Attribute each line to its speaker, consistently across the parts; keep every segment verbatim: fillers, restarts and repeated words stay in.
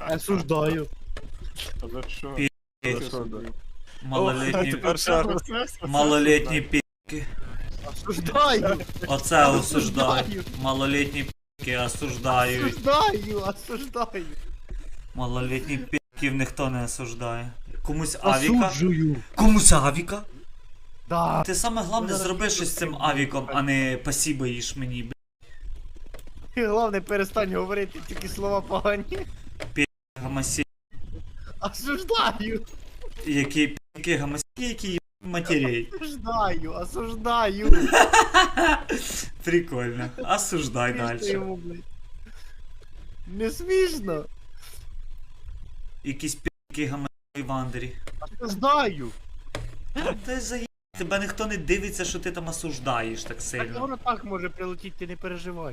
Speaker 1: Осуждаю.
Speaker 2: А за що?
Speaker 3: Пі-
Speaker 2: За що, да?
Speaker 3: Малолітні,
Speaker 4: Тепер ще раз.
Speaker 3: малолітні пі***ки.
Speaker 1: Осуждаю.
Speaker 3: Оце осуждаю. Малолітні пі***ки осуждають.
Speaker 1: Осуждаю, осуждаю.
Speaker 3: Малолітні пі***ків ніхто не осуждає. Комусь авіка.
Speaker 1: Осуджую.
Speaker 3: Комусь авіка.
Speaker 1: Да.
Speaker 3: Ти саме головне зроби щось з цим авіком, а не пасіба їж мені, бля.
Speaker 1: І головне, перестань говорити тільки слова погані.
Speaker 3: Гамасі.
Speaker 1: Осуждаю.
Speaker 3: Які пі***ки гамасі, які є матерей.
Speaker 1: Осуждаю, осуждаю.
Speaker 3: Прикольно. Осуждай
Speaker 1: Смішно
Speaker 3: далі.
Speaker 1: йому, блядь. Не смішно.
Speaker 3: Якісь пі***ки гамасі в Андері.
Speaker 1: Осуждаю.
Speaker 3: Ти заїб. Тебе ніхто не дивиться, що ти там осуждаєш так
Speaker 1: Так
Speaker 3: сильно.
Speaker 1: воно так може прилетіти, ти не переживай.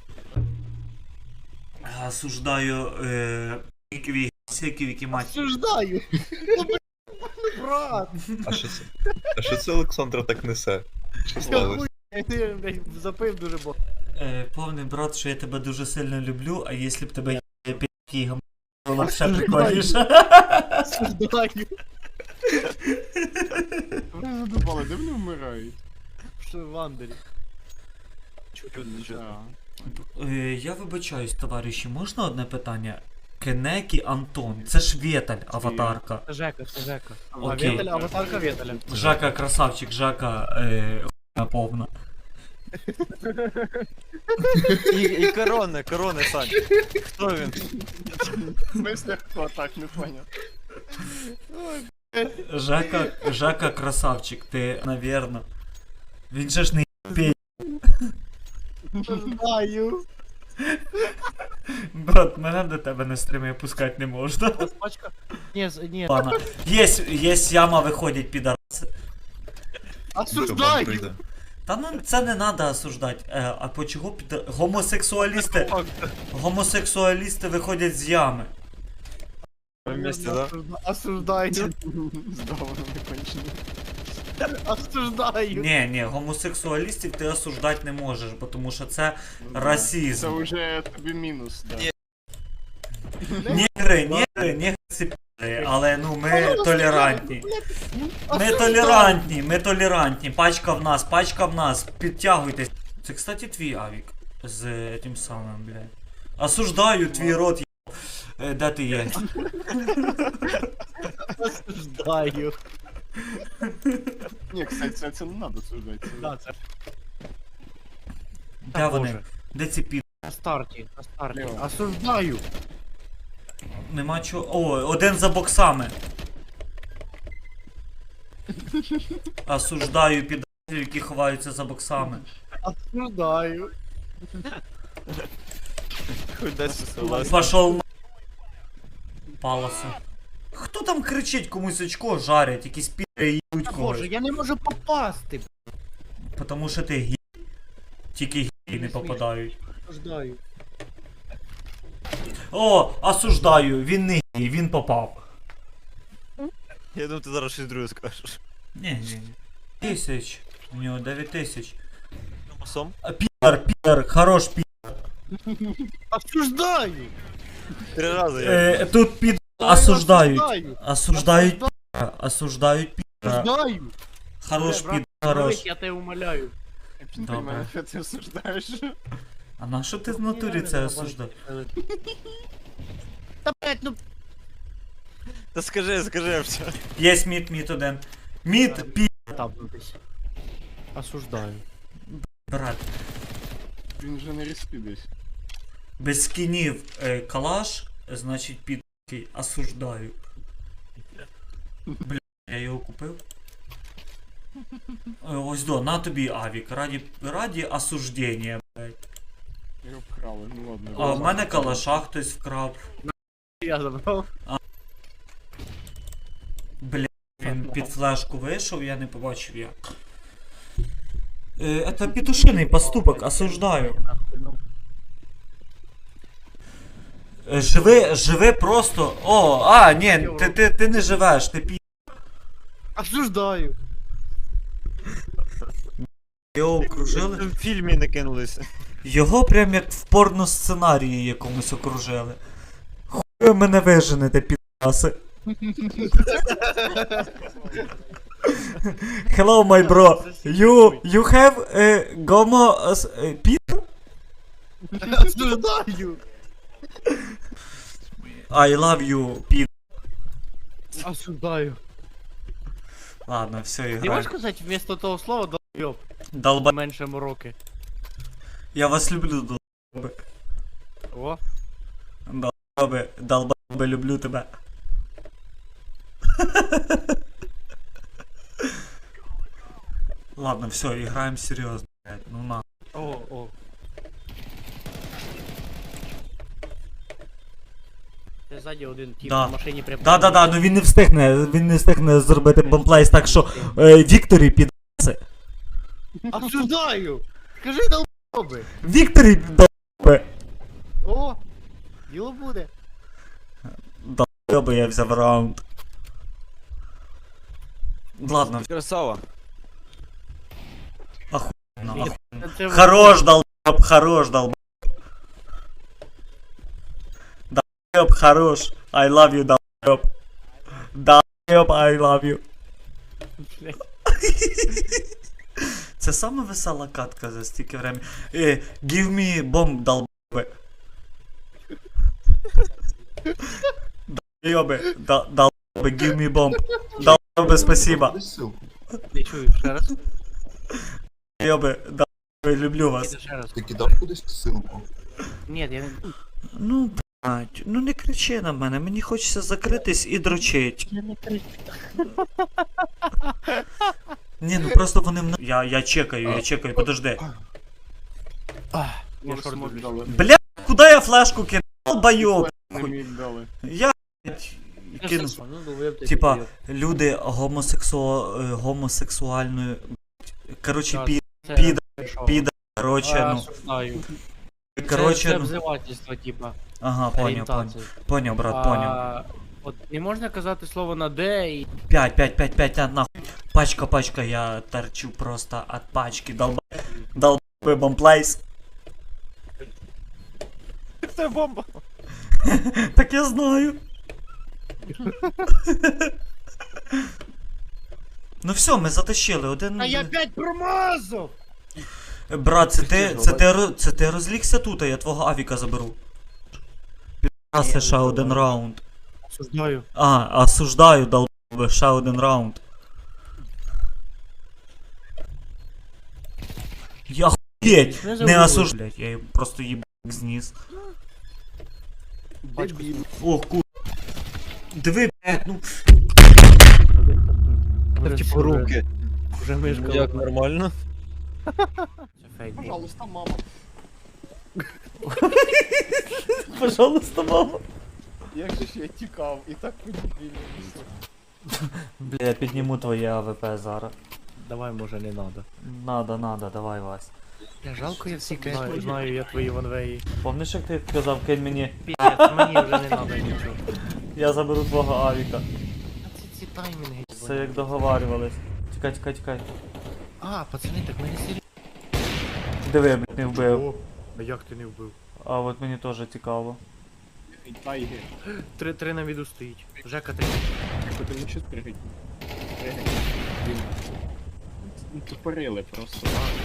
Speaker 3: Осуждаю е... пі***ків гамасіків, які мать.
Speaker 1: Осуждаю. Ну, блядь, брат.
Speaker 4: А що це? А що це Олександра так несе? Що сталося?
Speaker 1: Хуй, ти, блядь, запив дуже багато.
Speaker 3: Е, повний брат, що я тебе дуже сильно люблю, а якщо б тебе є пі***ки гамасі, було б ще прикольніше.
Speaker 1: Осуждаю.
Speaker 2: Ви задумали, де вони вмирають?
Speaker 1: Що в Андері?
Speaker 2: Да.
Speaker 3: Е, я вибачаюсь, товариші, можна одне питання? Кенекі Антон, це ж Вєталь, аватарка.
Speaker 1: Це Жека, це Жека. А
Speaker 3: Окей.
Speaker 1: Вєталя, аватарка Вєталя.
Speaker 3: Жака красавчик, Жака е, хуйня повна.
Speaker 5: І, і корони, корони, Сань. Хто він?
Speaker 2: В смысле, хто так, не поняв.
Speaker 3: Жака, Жака красавчик, ти, навірно. Він же ж не пей.
Speaker 1: Осуждаю.
Speaker 3: Брат, мене до тебе на стрімі пускати не можна.
Speaker 1: Ось пачка. Ні, з- ні.
Speaker 3: Ладно. Єсь, єсь яма виходять підараси.
Speaker 1: Осуждаю.
Speaker 3: Та ну це не треба осуждати. Е, а по чого під... Гомосексуалісти. Гомосексуалісти виходять з ями.
Speaker 5: Ви вместе, да?
Speaker 1: Осуждаю.
Speaker 2: Здорово, не кончено.
Speaker 1: Осуждаю.
Speaker 3: Ні, ні, гомосексуалістів ти осуждати не можеш, бо тому що це расизм.
Speaker 2: Це вже тобі мінус, да.
Speaker 5: Ні.
Speaker 3: Нігри, нігри, нігри це пі***ли, але ну ми толерантні. Ми толерантні, ми толерантні. Пачка в нас, пачка в нас. Підтягуйтесь. Це, кстати, твій авік. З е, тим самим, блядь. Осуждаю твій рот, є. Е, Де ти є?
Speaker 1: Осуждаю.
Speaker 2: Ні, кстати, це, це не треба судити. Це...
Speaker 1: Да, це
Speaker 3: Де вони? Де ці пі...
Speaker 1: на старті, на старті.
Speaker 2: Лево.
Speaker 1: Осуждаю.
Speaker 3: Нема чого. О, один за боксами. Осуждаю підарів, які ховаються за боксами.
Speaker 1: Осуждаю.
Speaker 5: Хуй десь согласен.
Speaker 3: Пошел на... Палоси. Хто там кричить, комусь очко жарять, якісь пі***ри їдуть когось.
Speaker 1: Боже, я не можу попасти.
Speaker 3: Потому що ти гі... Тільки гі не попадають.
Speaker 1: Осуждаю.
Speaker 3: О, осуждаю, він не гі, він попав.
Speaker 5: Я думаю, ти зараз щось друге скажеш.
Speaker 3: Ні, ні, ні. Тисяч. У нього дев'ять тисяч.
Speaker 5: Сом?
Speaker 3: А, Пітер, Пітер, хорош пі...
Speaker 1: Осуждаю.
Speaker 5: Три рази я.
Speaker 3: Е, тут під... Осуждають.
Speaker 1: Осуждаю.
Speaker 3: Осуждають Пітера. Осуждають Пітера.
Speaker 1: Осуждаю.
Speaker 3: Хорош
Speaker 1: Брат,
Speaker 3: під... Хорош.
Speaker 1: Я тебе умоляю.
Speaker 2: Я б не
Speaker 3: Добре.
Speaker 2: розумію, що ти осуждаєш.
Speaker 3: А на що ти в натурі це осуждаєш?
Speaker 1: Та блять, ну
Speaker 5: Та скажи, скажи все.
Speaker 3: Єсть мід, мід один. Мід, пі...
Speaker 1: там десь. Осуждаю.
Speaker 3: Брат.
Speaker 2: Він вже не респі десь.
Speaker 3: Без скінів е, калаш, значить під... осуждаю. Бля, я його купив. Е, Ось до, на тобі авік, раді, раді осуждення, блядь.
Speaker 2: Його вкрали, ну ладно.
Speaker 3: А в мене калаша хтось вкрав.
Speaker 1: Я забрав.
Speaker 3: Бля, він під флешку вийшов, я не побачив як. Е, це петушиний поступок, осуждаю. Е, Живи, живи просто. О, а, ні, ти, ти, ти не живеш, ти пі...
Speaker 1: Осуждаю.
Speaker 3: Його окружили.
Speaker 5: В фільмі не кинулися.
Speaker 3: Його прям як в порносценарії якомусь окружили. ви мене виженете, підаси. Hello, my bro. You, you have a gomo uh, pit?
Speaker 1: Осуждаю!
Speaker 3: I love you, під.
Speaker 1: Осуждаю.
Speaker 3: Ладно, все,
Speaker 1: Ти
Speaker 3: играй.
Speaker 1: можеш сказати вместо того слова долбойоб?
Speaker 3: Долба...
Speaker 1: Менше мороки.
Speaker 3: Я вас люблю, долбоби.
Speaker 1: О,
Speaker 3: Долбоби, долбоби, люблю тебе. Ладно, все, играем серьезно, блядь, ну на.
Speaker 1: о, о. Це ззаді один тип
Speaker 3: Да.
Speaker 1: на машині прям.
Speaker 3: Да-да-да, ну він не встигне, він не встигне зробити бомплейс, так що е, Вікторі під...
Speaker 1: Осуждаю! Скажи долбоби!
Speaker 3: Вікторі долбоби!
Speaker 1: О! Діло буде.
Speaker 3: Долбоби, я взяв раунд. Ладно,
Speaker 5: Красава.
Speaker 3: охуенно, охуенно.
Speaker 1: Це
Speaker 3: Хорош, долбоб, хорош, долбоб. Долбоб, хорош. I love you, долбоб. Долбоб, I love you.
Speaker 1: Блядь.
Speaker 3: Це саме весела катка за стільки времени. Е, give me bomb, долбоби. Долбоби, дол- долбоби, give me bomb. Долбоби, спасибо.
Speaker 1: Не чую, ще раз.
Speaker 3: Долбоби, долбоби, люблю вас.
Speaker 1: Іди ще раз.
Speaker 4: Ти кидав кудись ссылку?
Speaker 1: Ні, я не...
Speaker 3: Ну, блядь, ну не кричи на мене, мені хочеться закритись і дрочить.
Speaker 1: Я не кричу.
Speaker 3: Ні, ну просто вони мене... Я, я чекаю, я чекаю, подожди.
Speaker 1: Я
Speaker 2: Може,
Speaker 1: шорт
Speaker 2: смок
Speaker 1: люблю.
Speaker 2: дали.
Speaker 3: Бля, куди я флешку кинув? Долбойоб.
Speaker 2: Не міг дали.
Speaker 3: Я, блядь, кинув.
Speaker 1: Ну, долбойоб, ти
Speaker 3: Типа,
Speaker 1: долбойоб.
Speaker 3: люди гомосексу... е, гомосексуальної... Короче,
Speaker 1: Так,
Speaker 3: пі...
Speaker 1: Це
Speaker 3: піда,
Speaker 1: хорошо.
Speaker 3: піда, короче,
Speaker 1: А,
Speaker 3: ну...
Speaker 1: осуждаю. Це,
Speaker 3: Короче,
Speaker 1: це
Speaker 3: ну...
Speaker 1: обзивательство, типа,
Speaker 3: Ага, понял, понял.
Speaker 1: орієнтації.
Speaker 3: Понял, брат, понял.
Speaker 1: А, от не можна казати слово на Д і...
Speaker 3: Пять, пять, пять, пять, на, нахуй. Пачка, пачка, я торчу просто от пачки. Долба... Долбой бомплайс.
Speaker 5: Це бомба.
Speaker 3: Так я знаю. Ну все, ми затащили один.
Speaker 1: А я опять промазав!
Speaker 3: Брат, це ти, це ти, ро- це ти розлігся тут, а я твого авіка заберу. Підраси, ще один раунд.
Speaker 1: Осуждаю.
Speaker 3: А, осуждаю, долбоби, ще один раунд. Я хуєть,
Speaker 1: Не
Speaker 3: не
Speaker 1: забули.
Speaker 3: осуждаю. Я їм просто їб зніс.
Speaker 2: Дебіл.
Speaker 3: Ох, ку... Диви, блядь, ну...
Speaker 1: Ну,
Speaker 5: Типу руки.
Speaker 1: Вже мишка.
Speaker 5: Ну, як нормально?
Speaker 1: Це фейк.
Speaker 2: Пожалуйста, мама.
Speaker 3: Пожалуйста, мама.
Speaker 2: Як же ж я тікав, і так подібільно.
Speaker 3: Бля, я підніму твоє АВП зараз.
Speaker 1: Давай, може, не надо.
Speaker 3: Надо, надо, давай, Вась.
Speaker 1: Я жалко, я всі знаю, знаю я твої ванвеї.
Speaker 3: Помниш, як ти казав, кинь мені?
Speaker 1: Піздець, мені вже не надо нічого.
Speaker 3: Я заберу твого авіка.
Speaker 1: А це ці таймінги.
Speaker 3: Все як договарювались. Тікай, тікай, тікай.
Speaker 1: А, пацани, так мене серйозно.
Speaker 3: Диви, блядь, не вбив.
Speaker 1: А як ти не вбив?
Speaker 3: А от мені теж цікаво.
Speaker 2: Тайги.
Speaker 1: Три, три на віду стоїть. Жека три.
Speaker 2: Що ти не щось пригать? Пригать. Блін. Ну, тупорили просто.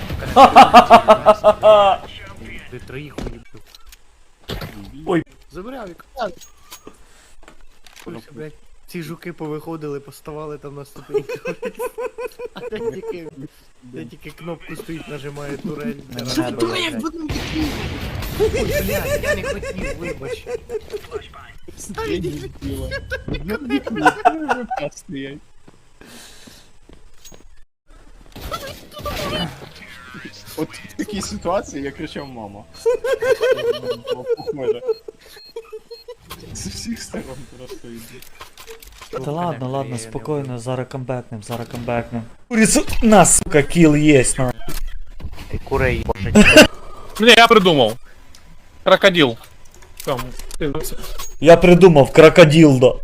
Speaker 1: Ти троїх уїбив.
Speaker 3: Ой.
Speaker 1: Забери авік. Ось, блядь. Ці жуки повиходили, поставали там на ступеньках. А де тільки, де тільки кнопку стоїть, нажимає турель.
Speaker 3: Не мене бояться.
Speaker 1: Ой, блядь, я не хотів, вибач.
Speaker 2: Я дебіла. Стоять. От в такій ситуації я кричав мама. Було похоже. З всіх сторон просто йде.
Speaker 3: Та ладно, ладно, спокійно, зараз камбекнем, зараз камбекнем. Курицу, на, сука, кіл єсть, на.
Speaker 1: Курей, боже.
Speaker 6: Не, я придумал. Крокодил. Там, ты-
Speaker 3: Я придумав, крокодилдо.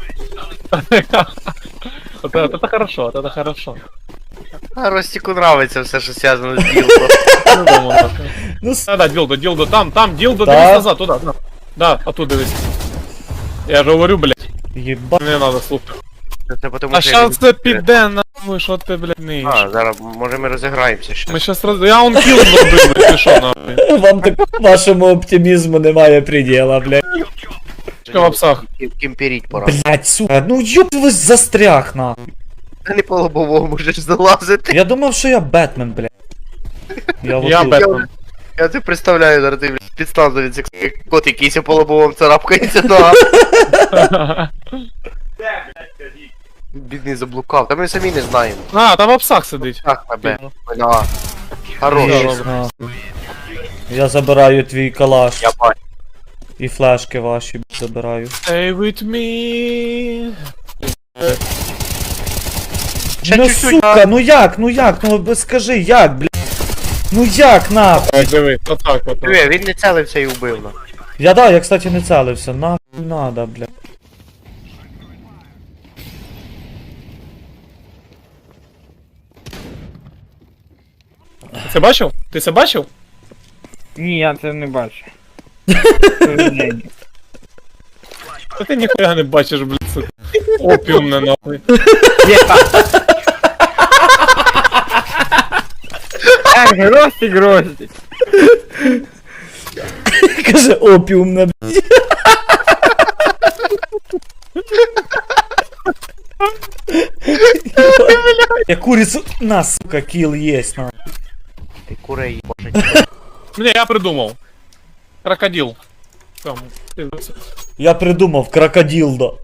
Speaker 6: Вот это, это хорошо, вот это хорошо.
Speaker 7: А Ростику нравится все, что связано с Дилдо.
Speaker 6: Придумал так.
Speaker 3: Ну, с...
Speaker 6: Да, да, дилдо, дилдо, там, там, дилдо,
Speaker 3: Да.
Speaker 6: дивись назад, туда, да. Да, оттуда дивись. Я ж говорю, блядь,
Speaker 3: Єба.
Speaker 6: не надо слухати.
Speaker 7: Це потому
Speaker 6: А
Speaker 7: що
Speaker 6: щас це піде нахуй, що ти, блядь, не їш.
Speaker 7: А, зараз, може ми розіграємося ще.
Speaker 6: Ми щас роз... Я он кіл зробив, блядь, ти що нахуй?
Speaker 3: Вам так вашому оптимізму немає предела, блядь.
Speaker 6: Чекай в апсах.
Speaker 7: Кімперіть пора.
Speaker 3: Блядь, сука, ну ёб ви застряг, нахуй.
Speaker 7: Ти не по лобовому можеш залазити.
Speaker 3: Я думав, що я Бетмен, блядь. Я,
Speaker 6: Я
Speaker 3: отут.
Speaker 6: Бетмен.
Speaker 7: Я це представляю, зараз ти, блядь, підставлюється, як кот якийсь по лобовому царапкається, да. Бідний заблукав, та ми самі не знаємо.
Speaker 6: А, там в апсах сидить.
Speaker 7: Так, тебе. На. Хорош.
Speaker 3: Ага. Я забираю твій калаш.
Speaker 7: Я бачу.
Speaker 3: І флешки ваші б, забираю.
Speaker 6: Stay with me.
Speaker 7: Ще
Speaker 3: ну
Speaker 7: чуть-чуть,
Speaker 3: сука, ну як, ну як, ну б- скажи, як, блядь. Ну як, нахуй?
Speaker 6: Так, диви, отак, отак.
Speaker 7: Диви, він не целився і вбив нас.
Speaker 3: Я да, я, кстати, не целився, нахуй надо, блядь.
Speaker 6: Ти це бачив? Ти це бачив?
Speaker 2: Ні, я це не бачу.
Speaker 6: Та ти ніхуя не бачиш, блядь, сука. Опіумне нахуй.
Speaker 2: Так, грості, грості.
Speaker 3: Каже, опіумна, блядь. Я курицу... На, сука, кіл єсть, на.
Speaker 7: Ти курей, боже.
Speaker 6: Ні, я придумав. Крокодил. Там, ти це.
Speaker 3: Я придумав крокодилдо.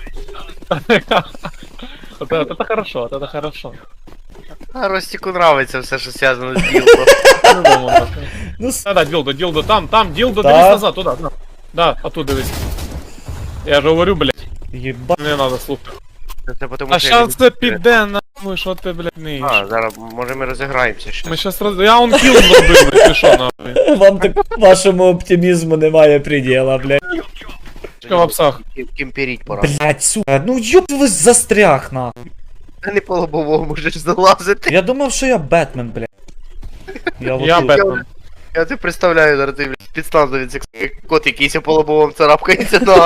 Speaker 6: От это это хорошо, от это хорошо.
Speaker 7: А Ростіку нравиться все, що зв'язано з ділком.
Speaker 6: Придумав так.
Speaker 3: Ну, с-
Speaker 6: Да, да, ділдо, ділдо, там, там, ділдо,
Speaker 3: Так.
Speaker 6: дивись назад, туда, да. Да, а тут дивись. Я ж говорю, блядь,
Speaker 3: єба.
Speaker 6: не надо слухати.
Speaker 7: Це потому
Speaker 6: А
Speaker 7: що
Speaker 6: щас це
Speaker 7: я-
Speaker 6: піде нахуй, що ти, блядь, не їш.
Speaker 7: А, зараз, може ми розіграємося ще.
Speaker 6: Ми щас роз... Я он кіл зробив, блядь, ти що нахуй?
Speaker 3: Вам так вашому оптимізму немає предела, блядь.
Speaker 6: Чекай в апсах.
Speaker 7: Кім- Кімперіть пора.
Speaker 3: Блядь, сука, ну ёб ви застряг, нахуй.
Speaker 7: Ти не по лобовому можеш залазити.
Speaker 3: Я думав, що я Бетмен, блядь. Я,
Speaker 6: Я
Speaker 3: отут.
Speaker 6: Бетмен.
Speaker 7: Я це представляю, зараз ти, блядь, підставлюється, як кот якийсь по лобовому царапкається, да.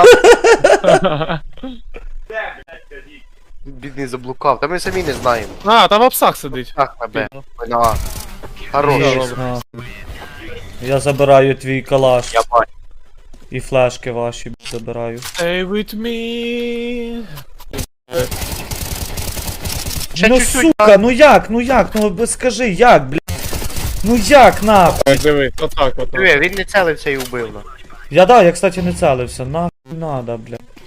Speaker 7: Бідний заблукав, та ми самі не знаємо.
Speaker 6: А, там в апсах сидить.
Speaker 7: Так, тебе. На. Хорош.
Speaker 3: Єсть, на. Я забираю твій калаш.
Speaker 7: Я бачу.
Speaker 3: І флешки ваші б, забираю.
Speaker 6: Stay with me.
Speaker 7: Ще
Speaker 3: ну
Speaker 7: чуть-чуть,
Speaker 3: сука, ну як, ну як, ну б- скажи, як, блядь. Ну як, нахуй?
Speaker 6: Так, диви, отак, отак.
Speaker 7: Диви, він не целився і вбив нас.
Speaker 3: Я да, я, кстати, не целився, нахуй надо, блядь.